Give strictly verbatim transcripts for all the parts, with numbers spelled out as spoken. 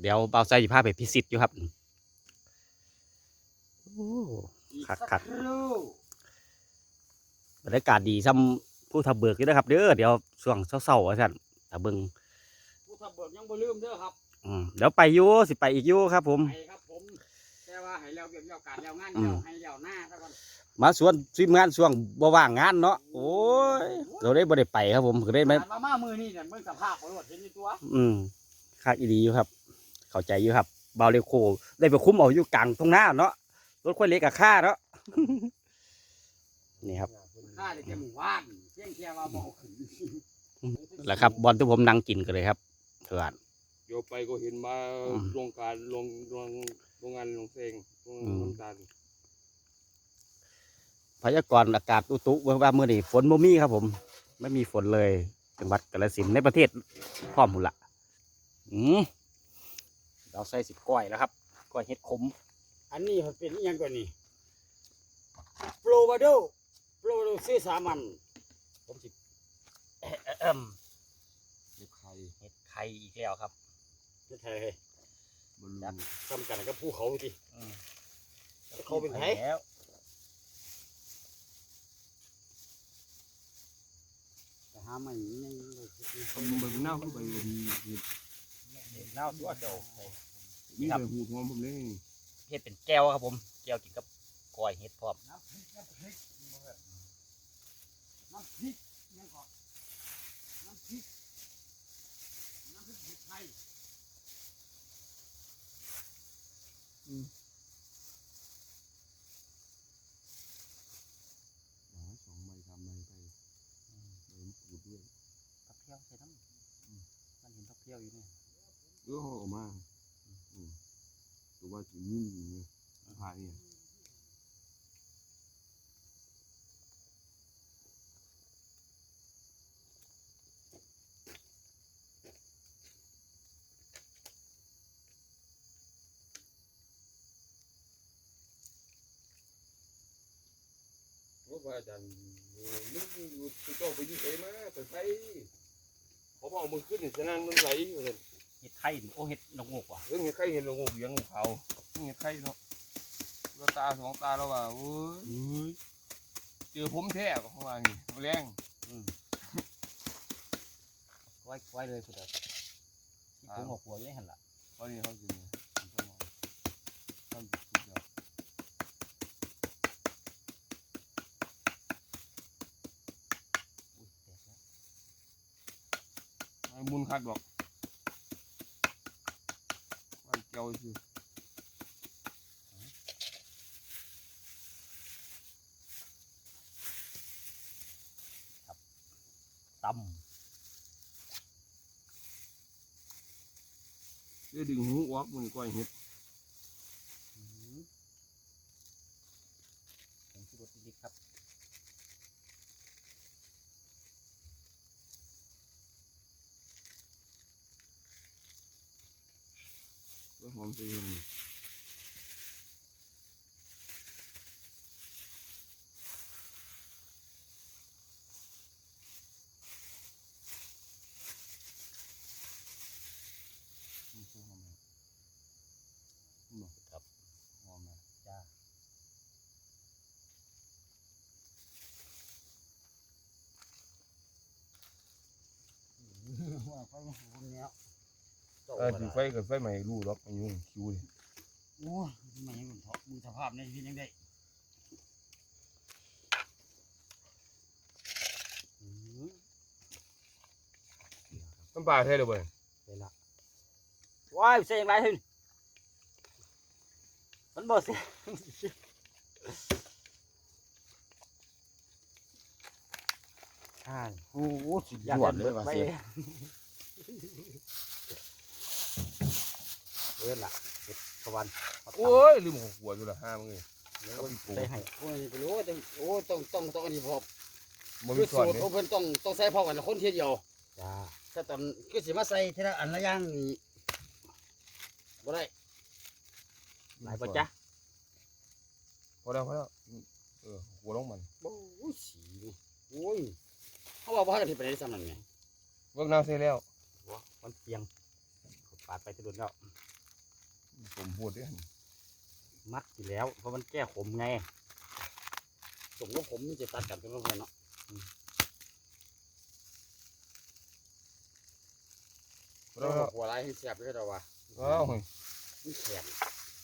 เดี๋ยวเบาใจสิพาไปพิสิทธิ์อยู่ครับโอ้คักคักบรรยากาศดีซ้ำผู้ทับเบิกอยู่นะครับเด้อเดี๋ยวช่วงเศร้าๆว่าซั่นตะเบิงผู้ทับเบิกยังบ่ลืมเด้อครับอืมเดี๋ยวไปอยู่สิไปอีกอยู่ครับผมไปครับผมแต่ว่าให้แล้วเรื่องแล้วการแล้วงานแล้วให้แล้วหน้าซะก่อนมาสวนทีมงานช่วงบ่ว่างงานเนาะโอ้ยเราได้บ่ได้ไปครับผมก็ได้ไหมมามามือนี่เนี่ยเบิ่งสภาพบ่รถเห็นอยู่ตัวอืมคักอีดีอยู่ครับเข้าใจอยู่ครับเบาเรโคได้ไปคุ้มเอาอยู่กลางตรงหน้าเนาะรถค่อยเล็กกับค่าเนาะนี่ครับค่าได้แค่หมู่บ้านเพียงแค่ว่าบ่ขึ้นแหละครับบอลที่ผมนั่งกินกันเลยครับเถื่อนเดี๋ยวไปก็เห็นมาโรงการโรงโรงโรงงานโรงเซงโรงน้ำตาลพยากรณ์อากาศอุตุว่าเมื่อนี้ฝนบ่มีครับผมไม่มีฝนเลยจังหวัดกาฬสินธุ์ในประเทศพร้อมหมดละอืมเราใส่สิบก้อยแล้วครับก้อยเห็ดขมอันนี้มันเป็นยังก่อนนี่โปรวาโดโปรวาโดซื้อสามัญผมสิเอิ่มเห็ดไข่เห็ดไข่อีกแล้วครับเฮ็ดไทยจัดทำกันกับภูเขาดิเขาเป็นไทยแล้วแต่หาไม่ในมันเหมือนเน่าเข้าไปดีเห็ดเน่าตัวเดียวนี่แต่หูหอมผมเลยเห็ดเป็นแก้วครับผมแก้วกินกับก้อยเห็ดพร้อมน้ำพริกน้ำพริกน้ำพริกยังก่อนน้ำพริกน้ำพริกเห็ดไทยอืมสองใบสามใบไปใบมะกรูดด้วยผักเพี้ยวใส่น้ำมันเห็นผักเพี้ยวอยู่เนี่ยเออออกมาตัวว่าจะนิ่มเนี่ยผ่าเนี่ยว่าอาจารย์นึกอยู่ตัวเจ้าไปยุ่งเองมาแต่ไทยเขาบอกมึงขึ้นเนี่ยจะนั่งน้ำไหลอยู่เลยเห็ดไข่โอ้เห็ดนกงกว่ะเรื่องเห็ดไข่เห็นเรางูเลี้ยงงูเขาเห็ดไข่เนาะเราตาสองตาเราว่าโอ้ยเจอผมแท้เขาว่าอย่างนี้แรงไว้ไว้เลยสุดเลยที่ผมหัวหัวยังหันละเขาเนี่ยเขาจริงเขาเขาสุดยอดบุญคัดบอกมันเกี่ยวสิครับตำเดี๋ยวดึงหูออกมันก้อยเห็ดผมคิดว่าดีครับหอมจริงครับหอมนะจ้าว่าเขาคนเนี้ยเออถือไฟกับไฟใหม่รู้หรอกอายุคิวเลยโอ้ยไม่ยังมือสภาพในชีวิตยังได้น้ำปลาเท่เลยเว้ยเลยละว้ายเสียงไรขึ้นมันบ่เสียใช่โอ้โหสุดยอดเลยว่ะเสียเออละเห็ดตะวันโอ้ยลืมหัวอยู่ละห้ามึงเลยใส่ให้โอ้ยไปรู้ว่าโอ้ต้องต้องต้องอันนี้พอมันคือสูตรโอ้เพิ่นต้องต้องใส่พอกันคนเทียเดียวจ้าถ้าตอนก็สิมาใส่ทีละอันละอย่างนี่บ่ได้หลายป่ะจ๊ะพอแล้วพอแล้วเออหัวลงมันโอ้ยสีโอ้ยเขาบอกว่าจะไปได้สำนักไงเวิร์กน้ำเสร็จแล้วมันเปียงปาดไปที่โดนแล้วผมพูดด้วยมักอยู่แล้วเพราะมันแก้ขมไงสมกับผมมันจะตัดกันเป็นเพื่อนเนาะเราหัวไรให้แสบด้วยเราวะอ้าวมันแข็ง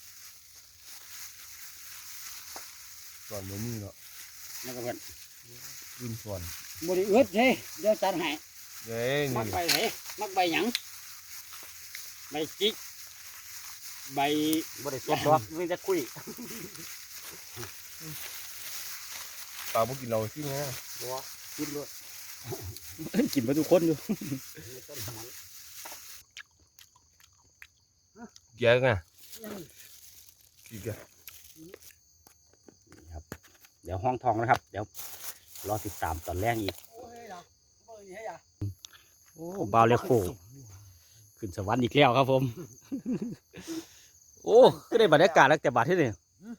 ส่วนบ่มีเนาะนั่นก็เพื่อนกินส่วนบริอึดเฮ้ยเดี๋ยวจัดให้เด้นี่มักใบไหนมักใบหยังใบจิกใบบริสุทธิ์ดอกมีแต่คุยปลาบ่กินเราสิแม่บัวกินด้วยกินมาทุกคนอยู่ไม่ต้นมันแยกอ่ะกินกันเดี๋ยวห้องทองนะครับ เดี๋ยวรอติดตามตอนแรกอีกโอ้ยนะเบอร์นี้ให้ยาโอ้บาวเลโคขึ้นสวรรค์อีกแล้วครับผม โอ้ก็ได้บรรยากาศแล้วแต่บาทที่นี่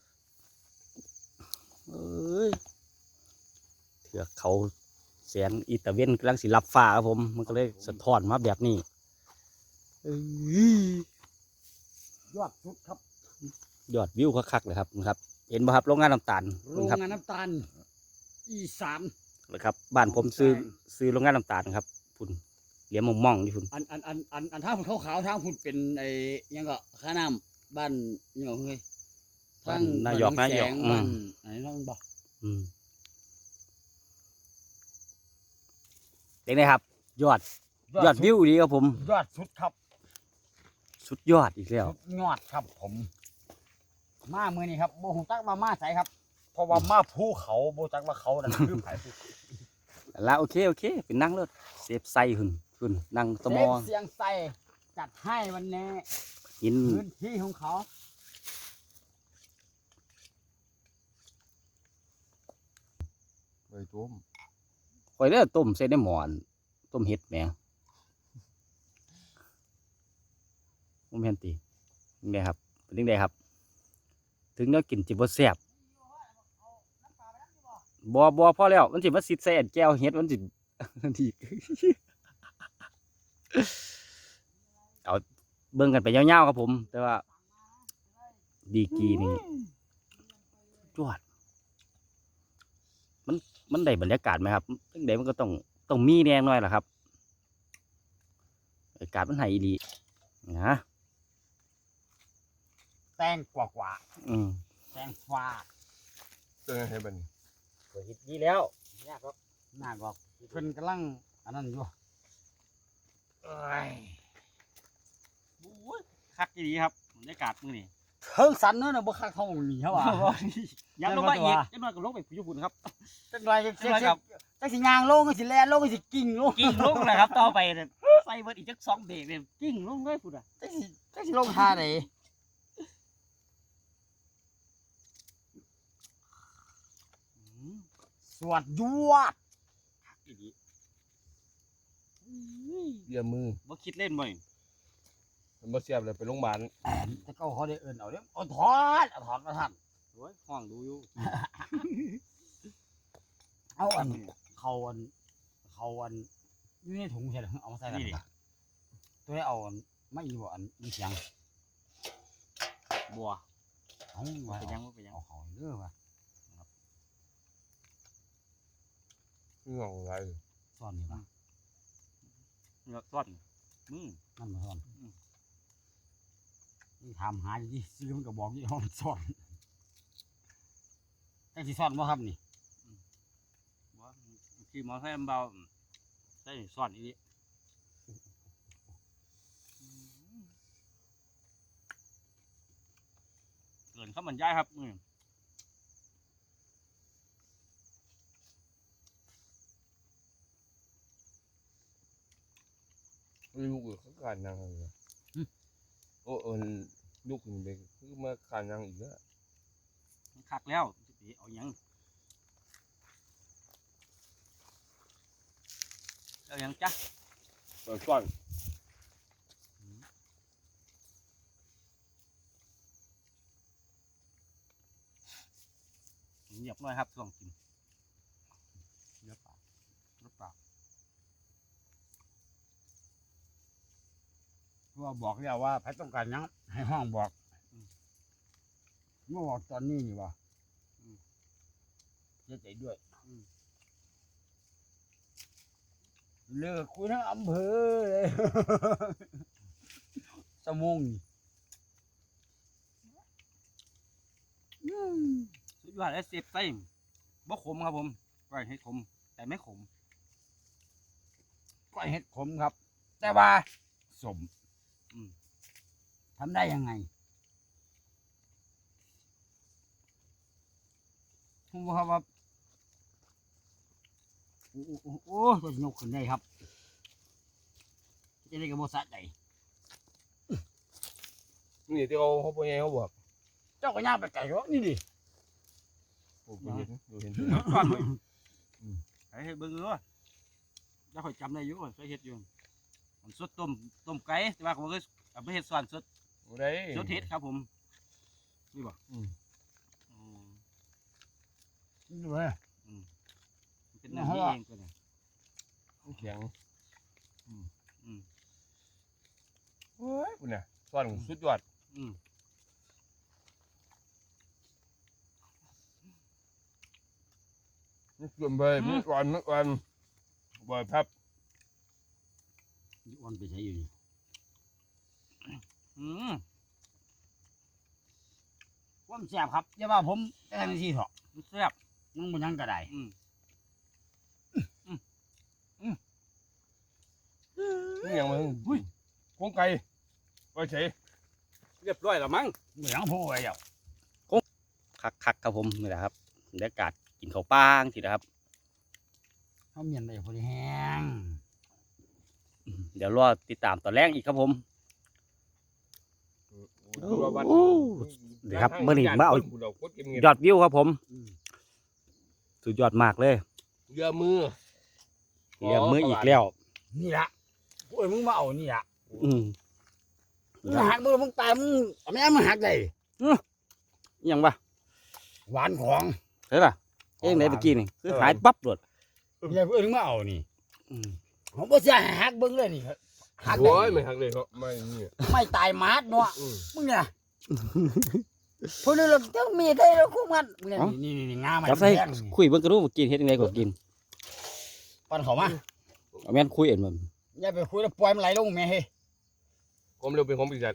เอ้ยเถือกเขาแสงอีตาเวนกำลังสิรับฟ้าครับผม มันก็เลยสะท้อนมาแบบนี้เอ้ยยอดสุดครับยอดวิวคักๆเลยครับครับ เห็นไหมครับโรงงานน้ำตาลโรงครับงานน้ำตาลอีสานนะครับบ้านผมซื้อซื้อโรงงานน้ำตาลครับพุ่นเหลี่ยมมองๆนี่พุ่นอันอันอันอันอันทางขาวๆทางพุ่นเป็นไอ้หยังก็ข้าน้ำบ้านหยังเฮ้ยทางนายกนายกบ้อืบ้าม นไหนน้องบอกอืมเป็นไงครับ ยอดยอดวิวดีครับผมยอดสุดครับสุดยอดอีกแล้วสุดยอดครับผม มาเมื่อนี้ครับโบหูตักมามาใส่ครับ เพราะว่ามาภูเขาโบจักว่าเขานั่นคือไผ่แล้วโอเคโอเคเป็นนั่งรถเซฟไซหุ่นหุ่นนั่งตะมอเสียงใส่จัดให้วันนี้กินพื้นที่ของเขาใบต้มคอยเด้อต้มใส่ในหมอนต้มเห็ดแหมผมเห็นตีนี่ไงครับเป็นยังไงครับ ถึงเนื้อกินจิบแซ่บบัวบัวพอแล้วมันจิมาสิใส่อันแก้วเห็ดมันจิ ที เอาเบิ่งกันไปยาวๆครับผม แต่ว่า ดีกรีนี่จวดมันมันได้บรรยากาศไหมครับตั้งแต่มันก็ต้องต้องมีแน่หน่อยล่ะครับบรรยากาศมันไหอีดีนะแตงกว่ากว่าอืมแตงฟ้าเจอให้บัดนี้เปิดฮิตดีแล้วยากครับหน้าบอกเพิ่นกำลังอันนั้นอยู่เอ้ยโอ้ยคักดีครับบรรยากาศมื้อนี้เทิงสันเนอะนะบ่คักเท่าหนีเขาว่ายับลงมาอีกยับลงกับลงไปญี่ปุ่นครับจังไรจังจังไรครับจังสิยางลงจังสิแล่นลงจังสิกิ่งลงกิ้งลงเลยครับต่อไปเนี่ยใส่เบิดอีกจักสองเบรกเนี่ยกิ้งลงเลยพุ่นอ่ะจังสิจังสิลงท่าไหนสวดยวดอีดีเยี่ยมมือบ่คิดเล่นบ่อยมันบ่เสียบเลยไปโรงพยาบาลแต่ก็เขาได้เอิ้นเอาเด้อเอาถอดเอาถอดมาท่านโอ้ยห้องดูอยู่เอาอันเขาอันเขาอันอยู่ในถุงใช่หรือเอามาใส่กันปะตัวนี้เอาอันไม่อีบ่อันมีเสียงบัวเอาบ่ไว้เป็นหยัเอางบ่เป็นหยังเอาเขาเด้อว่ะนี่งองไรซ่อนนี่ป่ะเงาซ่อนมือนั่นมาซ่อนนี่ถามหาอยู่ที่ซื้อมันก็บอกยี่ห้อมันซ่อนจังสิซ่อนบ่ครับนี่บัวขี่มอเตอร์ไซค์มันเบาใส่ซ่อนอีดีเกินข้าวมันย่ายครับมือลูกเขาขาดนางเลยโอ้เอินลูกนี่ไปคือมาขาดนางอีกแล้วมันคักแล้วสิเอาหยังเอาหยังจ้ะเปิดก่อนเงียบหน่อยครับช่วงกินเงียบปากเงียบปากเพราะว่าบอกแล้วว่าใครต้องการหยังให้ห้องบอกเมื่อบอกตอนนี้นี่วะเสียใจด้วยเลิกคุยทั้งอำเภอเลยสมงสุดยอดและเสียบไส้บ่ขมครับผมก้อยเห็ดขมแต่ไม่ขมก้อยเห็ดขมครับ แต่ว่าสมทำได้ยังไงผมว่าว่าโอ้โหโอ้จะยกขึ้นได้ครับจะได้กระโบสะใจนี่ที่เขาเขาพูดยังไงเขาบอกเจ้าก็ย่างไปไก่ก็นี่ดิโอ้เห็นดูเห็นก่อนเลยไอ้เบิ้งเลยแล้วคอยจำได้อยู่เคยเห็ดอยู่มันสดต้มต้มไก่แต่ว่าผมก็เอาไปเห็ดส่วนสดโอ้ได้สดเห็ดครับผมนี่บ่อืมนี่เลยเป็นน้ำเองตัวนี้เสียงอืมเฮ้ยคุณเนี่ยส่วนสุดยอดอืมนี่ส่วนไปไม่อ่อนไม่อ่อนบ่อยครับอ่อนไปใช้อยู่นี่อืมความแซ่บครับอย่าว่าผมแต่ทันทีเถอะมันแซ่บมันมันยังก็ได้อืมนี่ยังมันหุ้ยโคงไก่ไปเฉยเรียบร้อยแล้วมั้งเหมือนพูดไว้แล้วคักคักๆครับผมนี่แหละครับบรรยากาศกินข้าวป้างทีนะครับเขาเมียนได้พอดีแห้งอืมเดี๋ยวรอติดตามตอนแรกอีกครับผมโอ้เดี๋ยวครับเมื่อนี้มาเอายยอดอดวิวครับผมสุดยอดมากเลยเรือมือเรียงมืออีกแล้วนี่ละโอ้ยมึงมาเอานี่ละอืมมึงหักมือมึงตายมึงเอาไม่ได้มึงหักได้อิหยังวะหวานของเฮ้ยล่ะเอ้ยไหนเมื่อกี้นี่คือหายปั๊บโดดอย่าเพิ่งมาเอานี่อืมผมบ่เสียหักเบิ้งเลยนี่หักได้โอ้ยไม่หักเลยเขาไม่นี่ไม่ตายมาดเนาะอืมมึงเนี่ยพวกนี้เราต้องมีได้เราคุ้มกันมึงเนี่ยนี่นี่นี่งามันจับใส่แพงนี่คุยเบิ่งกระดูกกินเฮ็ดยังไงก็กินปันเขามาเอาแม่นคุยเอ็นมันอย่าไปคุยแล้วปล่อยมันไหลลงแม่เฮ้ยความเร็วเป็นของปีศาจ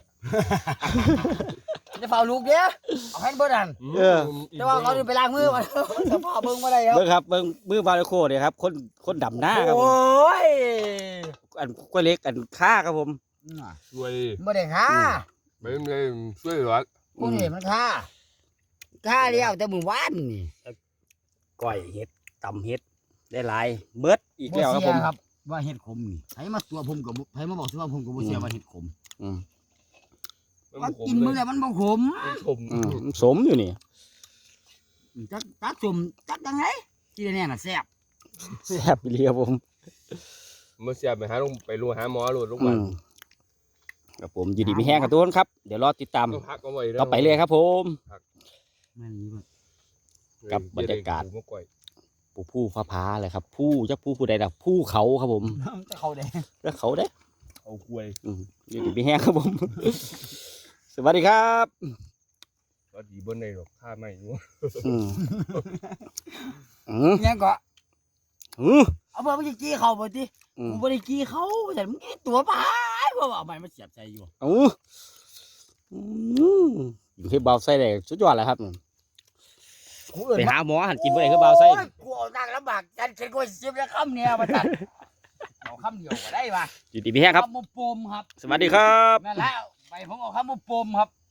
จะเฝ้าลูกเด้อเอาให้เบิดอันเออแต่ว่าเขาไปล้างมือก่อนจะพาเบิ่งมาได้ครับเบิ่งครับเบิ่งมือบาร์โคเนี่ยครับคนคนดำหน้าครับโอผม้ยอันกล้วยเล็กอันค่าครับผมช่วยบ่ได้ค่าไม่ไม่ช่วยเหลือพวกนี้มันค่าค่าเดียวแต่มื้อวานนี่ก้อยเห็ดตำเห็ดได้หลายเบิดอีกแล้วครับผมเสียครับว่าเห็ดขมนี่ให้มาตัวผมกับให้มาบอกสิว่าผมกับบ่เสียว่าเห็ดขมอืมมันกินมื้อแล้วมันบ่ขมขมอืมสมอยู่นี่จักจักสมจักจังไงที่แน่ๆน่ะแซ่บแซ่บอีหลีครับผมเมื่อเสียไปหาลงไปรูหาหมอรูลงอืมามครับผมอยู่ดีมีแห้งกับทุกคนครับเดี๋ยวรอติดตามต้องพักเอาไว้ต่อไปเลยครับผมแม่นนี่บ่กับบรรยากาศเมื่อก่อยผู้ผู้ฟ้าผาเลยครับ ผู้จักผู้ผู้ใดดักผู้เขาครับผมจะเข้าได้แล้วเขาเด้เอากล้วยอืมอยู่ดีมีแห้งครับผม สวัสดีครับก็ดีบนในหรอกข้าไม่รู้อืมอืมยังก็อืมเอาเบิ่งมันสิกี้เข้าบ่ติอืมกูบ่ได้กี้เขาแต่มึงกี้ตัวปายบ่ว่าเอาไม้มาเสียบใส่อยู่อืมอืมอยู่ที่เบาไส้เลยสุดยอดเลยครับกูเอิ้นไปหาหมอหันกินบ่ได้คือเบาไส้โอ้ยกูเอานั่งลำบากจันเข็นกูสิบแล้วคำเนี่ยมาตัดเอาคำเดียวก็ได้ว่ะอยู่ดีมีแห้งครับคำมุปมครับสวัสดีครับนั่นแหละไปผมเอาคำมุปมครับ